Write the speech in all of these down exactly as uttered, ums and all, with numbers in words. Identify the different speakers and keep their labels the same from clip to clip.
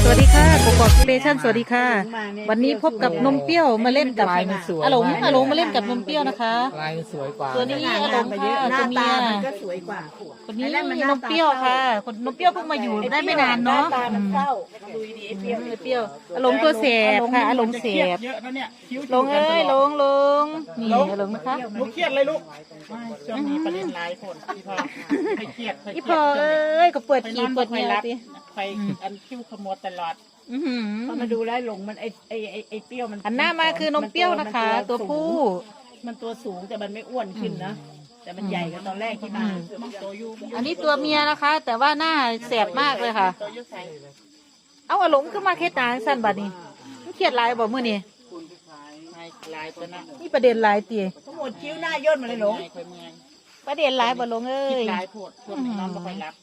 Speaker 1: สวัสดีค่ะกบกสเตชันสวัสดีค่ะวันนี้พบกับนมเปรี้ยวมาเล่นกับอาหลงอาหลงมาเล่นกับนมเปรี้ยวนะคะ
Speaker 2: ลายมันสวยกว่า
Speaker 1: ตัวนี้อาหลงค่ะตัวเมีย
Speaker 3: ก็สวยกว่า
Speaker 1: คนนี้นมเปรี้ยวค่ะคนนมเปรี้ยวเพิ่งมาอยู่ได้ไม่นานเนาะ
Speaker 3: ดูดีเปรี้ยว
Speaker 1: เปรี้ยวอาหลงตัวแสบค่ะอาหลงแสบลงเอ้ยลงลงนี่อาหลงนะคะ
Speaker 4: ลูกเครียดเลยลูกช่วงนี้ประเด็นหลายคนพี่พอให้เครียด
Speaker 1: อีพอเอ้ยก็เปิดขีดเปิดเงี้ยสิ
Speaker 4: ไปอันคิ้วขมวดตลอด
Speaker 3: พอมาดูแล้วหลงมันไอไอไอไอเปรี้ยวมัน
Speaker 1: อันหน้ามาคือนมเปรี้ยวนะคะตัวผู้
Speaker 3: มันตัวสูงแต่มันไม่อ้วนขึ้นนะแต่มันใหญ่กว่าตอนแรกที่มา
Speaker 1: อันนี้ตัวเมียนะคะ แต่ว่าหน้าแสบมากเลยค่ะเอาอาหลงขึ้นมาเคสตาสั้นบัดนี้เครียดลายบอกเมื่อนี่นี่ประเด็นลายตี
Speaker 3: ทั้งหมดคิ้วหน้าย่นมาเลยหลง
Speaker 1: ประเด็นลายบ่ลงเอ้ย
Speaker 4: ลายโผดพวกน้องก็ไปรับ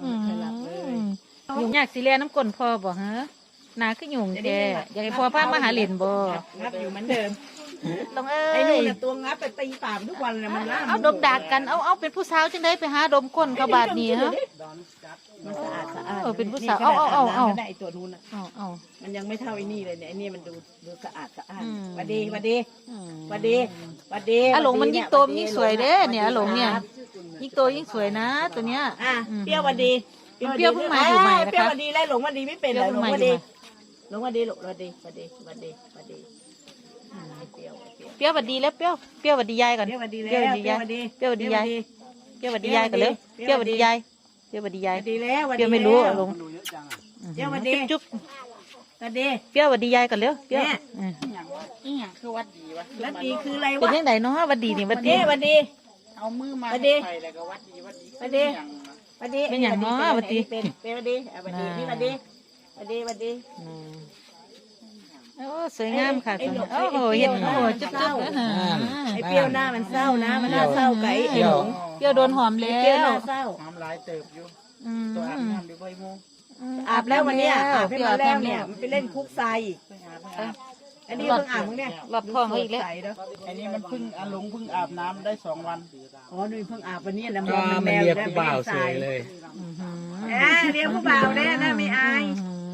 Speaker 1: ยุ่งยากสิเลียน้ำก้นพอบ่ฮะนาคือยุ่งแกอยากให้พ่อพามาหาเหรียญบ่
Speaker 3: งับอยู่เหมือนเดิม
Speaker 1: ลงเอ้ย
Speaker 3: ไอ้นู่นตัวงับไปตีปากทุกวันเลยมันล่า
Speaker 1: เอาดมดักกันเอาเอาเป็นผู้สาวจังได้ไปหาดมก้นกระบาดนี่ฮะ
Speaker 3: มันสะอาดสะอาด
Speaker 1: เออเป็นผู้สาวเอาเอาเอาเอา
Speaker 3: ไอ้ตัวนู้นอ่ะ
Speaker 1: เอาเอา
Speaker 3: มันยังไม่เท่าไอ้นี่เลยเนี่ยไอ้นี่มันดูดูสะอาดสะอาดวัดดีวัดดีวัดดีวัดดี
Speaker 1: อาหลงมันยิ่งโตยิ่งสวยเด้เนี่ยอาหลงเนี่ยยิ่งโตยิ่งสวยนะตัวเนี้ย
Speaker 3: อ่ะเปรี้ยววัดดี
Speaker 1: เปรี้ยวเพิ่งมาอยู่ใหม่นะคะ
Speaker 3: เปรี้ยววัดดีแล้วหลงวัดดีไม่เป็นเลยหลงวัดดีหลงวัดดีหลงวัดดีวัดดีวัดดีวัดดี
Speaker 1: เปรี้ยววัดดีแล้วเปรี้ยวเปรี้ยววัดดียายก่อน
Speaker 3: เปรี้ยววัดดีแล้ว
Speaker 1: เปรี้ยววัดดียายเปรี้ยววัดดียายเปรี้ยววัดดียายก่อนเลยเปรี้ยววัดดียายเปรี้ยววัดดียาย
Speaker 3: ดีแล้ว
Speaker 1: เปรี้ยวไม่รู้ลง
Speaker 3: เปรี้ยววัดดี
Speaker 1: จุ๊บ
Speaker 3: วัดดี
Speaker 1: เปรี้ยววัดดียายก่อนเร็วเปรี้ยว
Speaker 4: อีหยังคือวัดดีวะ
Speaker 3: วัดดีคืออะไรวะ
Speaker 1: เป็นยังไงเนาะวัดดีนี่วัดดี
Speaker 3: วัดดี
Speaker 4: เอามือมาวัดดีแล้วก็วัดดีวัดดี
Speaker 3: วัดดีวัดดี
Speaker 1: เป็นอย่างเนาะวัดดี
Speaker 3: เป็นเป็นวัดดีวัดดีนี่วัดดีวัดดีวัดดี
Speaker 1: โอ้สวยงามค่ะโอ้โหเห็นโอ้โหจุ๊บจุ๊บ
Speaker 3: ไอ้เปรี้ยวหน้ามันเศร้านะมันน่าเศร้าไก่ไอ้หลง
Speaker 1: เปรี้ยวโดนหอมแล้ว
Speaker 3: เปรี้ยวหน้าเศร้า
Speaker 4: หอมหลายเติบอยู่ตัวอาบน้ำอยู่ใบมู
Speaker 3: อาบแล้ววันนี้อาบให้มาแล้วเนี่ยมันไปเล่นคุกทรายอีกอันนี้เพิ่งอาบมึงเนี่ย
Speaker 1: หลอดท้องอีกแล้ว
Speaker 4: อันนี้มันเพิ่งอาลงเพิ่งอาบน้ำได้สองวัน
Speaker 3: อ๋อนุ่ยเพิ่งอาบวันนี้นะม
Speaker 2: องมันแมวเรียกผู้บ่าวสวยเลย
Speaker 3: อ่าเรียกผู้บ่าวได้นะไม่อาย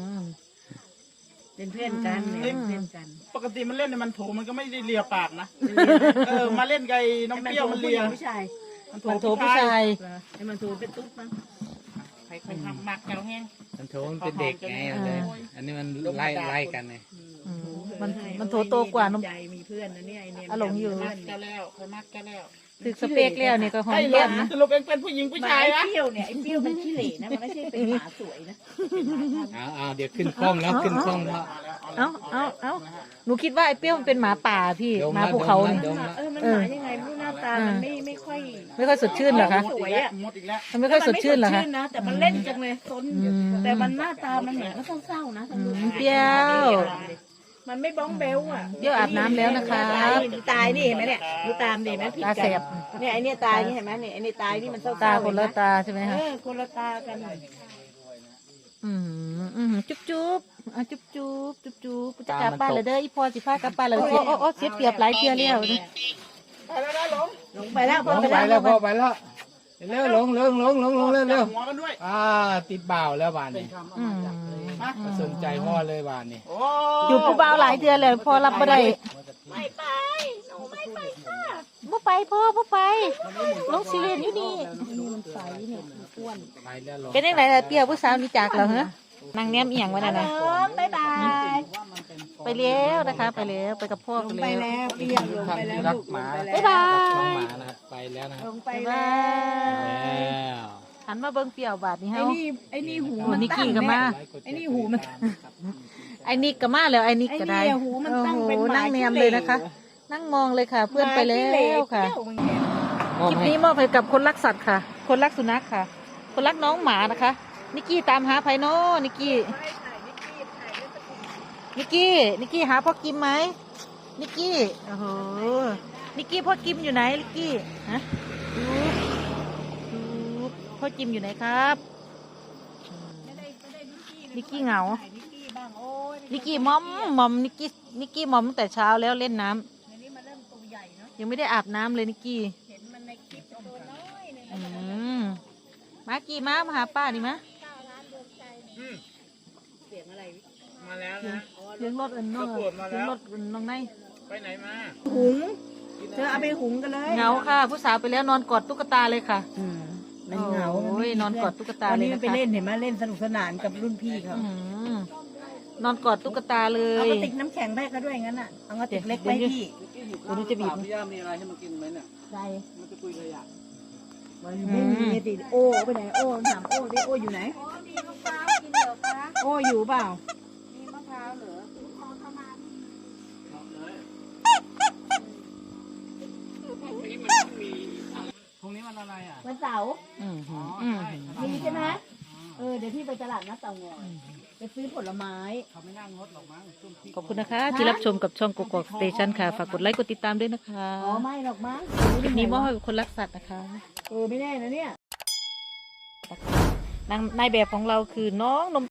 Speaker 3: เป็นเพื่อนกันเป็นเพื่อนกัน
Speaker 4: ปกติมันเล่นในมันโถมันก็ไม่ได้เลียปากนะเออมาเล่นไก่น้องเปรี้ยวมันเลีย
Speaker 3: ผู้ชาย
Speaker 1: มันโถผู้ชาย
Speaker 3: ไอ้มันโถเป็นตุ๊ดมั้ง
Speaker 4: ใครคนทำหมักแก้วแห้ง
Speaker 2: มันโถมันเป็นเด็กไงเลยอันนี้มันไล่ไล่กันไง
Speaker 1: มันมันโถโตกว่าน้อง
Speaker 3: มีเพื่อนนะเนี่ยไอเนี่ย
Speaker 1: อารมณ์อยู่
Speaker 4: มักแก้วแล้วเคยมักแก้วแล้ว
Speaker 1: ถึกสเปกแล้วเนี่ยก็หอมแก้มนะ
Speaker 4: สรุปเองเป็นผู้หญิงผู้ชาย
Speaker 3: นะไอ้เปรี้ยวเนี่ยไอ้เปรี้ยวมันขี้เหร่นะมันไม่ใช่เป็นหมาสวยนะ
Speaker 2: เอาเอาเดี๋ยวขึ้นคล่องแล้วขึ้นคล่องแล้ว
Speaker 1: เอาเอาเอาหนูคิดว่าไอ้เปรี้ยวมันเป็นหมาป่าพี่หมาภูเขาเนี่ย
Speaker 3: เออมันหมายังไงไม่รู้หน้าตามันไม่ไม่ค่อย
Speaker 1: ไม่ค่อยสดชื่นเหรอคะ
Speaker 3: สวยอ่ะ
Speaker 1: มันไม่ค่อยสดชื่นเหรอคะ
Speaker 3: แต่มันเล่นจังเลยซนแต่มันหน้าตามันเหมือนก็เศร้าๆนะ
Speaker 1: เปรี้ยว
Speaker 3: มันไม่บ้องเบลอ่ะ
Speaker 1: เดี๋ยวอาบน้ำแล้วนะคะ
Speaker 3: ตายนี่เห็นไหมเนี่ยดูตามดีไหม
Speaker 1: ตาแสบ
Speaker 3: เนี่ยไอเนี่ยตายนี่เห็นไหมเนี่ยไอเนี่ยตายนี่มันเศร้า
Speaker 1: ตาคนละตาใช่ไหมคะ
Speaker 3: เออคนละตากัน
Speaker 1: อืมอืมจุ๊บจุ๊บอ่ะจุ๊บจุ๊บจุ๊บจุ๊บจะกลับบ้านเลยเด้ออีพอสิพากลับบ้านเลยโอ้โอ้โอ้เสียเปรียบหลายเพียแล้ว
Speaker 4: ไปแล้วหลง
Speaker 3: หลงไปแล้ว
Speaker 2: พ่อไปแล้วพ่อไปแล้วเร็วหลงหลงหลงหลงหลงเร็วเร็วอ่าติดบ่าวแล้วบ้านนี้สนใจพ่อเลยบ้านนี้
Speaker 1: อยู่ผู้บ่าวหลายเดือนเลยพอรับไม่ได้
Speaker 3: ไม่ไปหนูไม่ไปค่ะ
Speaker 1: บ่ไปพ่อบ่ไปลงซีเรียนอยู่นี่
Speaker 3: ใสเนี่ยอ้วน
Speaker 1: เป็นยังไงล่ะเปรี้ยวผู้สาวนี่จากเหรอฮะนางแนมเอียงวะนั่นนะ
Speaker 3: บ๊ายบาย
Speaker 1: ไปแล้วนะคะไปแล้วไปกับพ่อ
Speaker 3: ไปแล้วเปรี้ยวลงไปแล้ว
Speaker 2: รักหมา
Speaker 1: บ๊ายบาย
Speaker 2: น้องหมานะครับไปแล้วนะครับ
Speaker 3: ลงไปแล้ว
Speaker 1: หันมาเบิ้งเปรี้ยวบาดนี้เฮา
Speaker 3: ไอ้นี่ไอ้นี่หูมัน
Speaker 1: นิกกี้ก็มา
Speaker 3: ไอ้นี่หูมัน
Speaker 1: ไอ้นิกก็มาแล้วไอ้นิกก็ได้
Speaker 3: หูมันตั้งเป็น
Speaker 1: นั่งแนมเลยนะคะนั่งมองเลยค่ะเพื่อนไปแล้วค่ะคลิปนี้มอบให้กับคนรักสัตว์ค่ะคนรักสุนัขค่ะคนรักน้องหมานะคะนิกกี้ตามหาไพโน่นิกกี้นิกกี้นิกกี้หาพ่อกิมไหมนิกกี้โอ้โหนิกกี้พ่อกิมอยู่ไหนนิกกี้ฮะดูดูพ่อกิมอยู่ไหนครับนิกกี้เหงานิกกี้มอมมอมนิกกี้นิกกี้มอมตั้งแต่เช้าแล้วเล่นน้ำยังไม่ได้อาบน้ำเลยนิกกี้อืมมากี่มามาหาป้านี่มะ
Speaker 3: เสียงอะไร
Speaker 2: มาแล้วนะ
Speaker 1: เสียงรถอันน้อง
Speaker 2: ประกวดมาแล้ว
Speaker 1: เสียงรถอันน้องใน
Speaker 2: ไปไหนมา
Speaker 3: หุงเธอเอาไปหุงกันเลย
Speaker 1: เหงาค่ะ ผู้สาวไปแล้วนอนกอดตุ๊กตาเลยค่ะ
Speaker 3: อืมมันเหงา
Speaker 1: โอ้ยนอนกอดตุ๊กตา
Speaker 3: วัน
Speaker 1: เลย
Speaker 3: นี้
Speaker 1: นะ
Speaker 3: มันไป
Speaker 1: คะ
Speaker 3: เล่นเห็นไหมเล่นสนุกสนานกับรุ่นพี่เขา
Speaker 1: อื้อหือนอนกอดตุ๊กตาเล
Speaker 3: เอา
Speaker 1: ย
Speaker 3: กระติกน้ำแข็งไปเขาด้วยงั้นอ่ะเอากระติกเล็กไปให้พี่
Speaker 1: วันนี้จะบีบ
Speaker 4: พี่ย่ามีอะไรให้มันกินไหมเนี่ย
Speaker 3: ใส่
Speaker 4: มันจะคุยขยะ
Speaker 3: มันไม่มีกระติกโอ้ไปไหนโอ้ถามโอ้ดิโอ้อยู่ไหนโอ้อยู่เปล่า
Speaker 4: พรุ่งนี้มันอะไรอ่ะ
Speaker 3: วันเสาร์
Speaker 1: อืมหืออืมหือ
Speaker 3: มีใช่ไหมเออเดี๋ยวพี่ไปตลาดนัดเตางอยไปซื้อผลไม้
Speaker 4: เขาไม่นั่งรถหรอกมั้งช่วงที่
Speaker 1: ขอบคุณนะคะ ที่รับชมกับช่องกกอกสเตชันค่ะ ฝากกดไลค์กดติดตามด้วยนะคะ
Speaker 3: อ๋อไม่หรอกมั้ง
Speaker 1: คลิปนี้มอบให้กับคนรักสัตว์นะคะ
Speaker 3: เออไม่แน่นะเนี่ย
Speaker 1: นางนายแบบของเราคือน้องนม